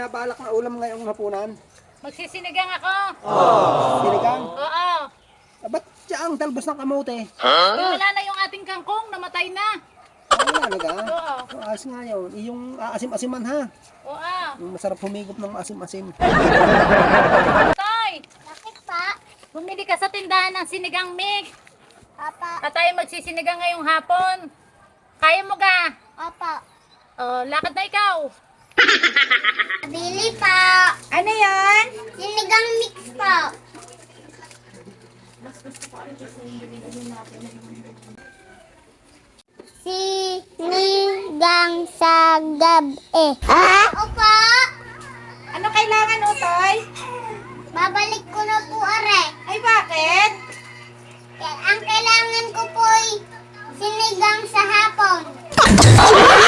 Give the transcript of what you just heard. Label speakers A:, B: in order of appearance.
A: binabalak na ulam ngayong hapunan?
B: Magsisinigang ako.
A: Sinigang?
B: Oo.
A: Ba't siya ang talbos ng kamote?
B: Wala na yung ating kangkong, namatay na.
A: Wala naga.
B: Oo.
A: Ayos nga yun. Yung aasim-asiman ha.
B: Oo.
A: Yung masarap humigop ng asim-asim.
B: Toy,
C: Bakit pa?
B: bumili ka sa tindahan ng sinigang mix.
C: Papa.
B: At tayo magsisinigang ngayong hapon. Kaya mo ka?
C: Papa.
B: Oh, lakad na ikaw.
C: Bili pa.
B: Ano yan?
C: Sinigang mix po. Sinigang sa gabi. Opo.
B: Ano kailangan, Utoy?
C: Babalik ko na po, are.
B: Ay, bakit?
C: Ang kailangan ko po ay sinigang sa hapon.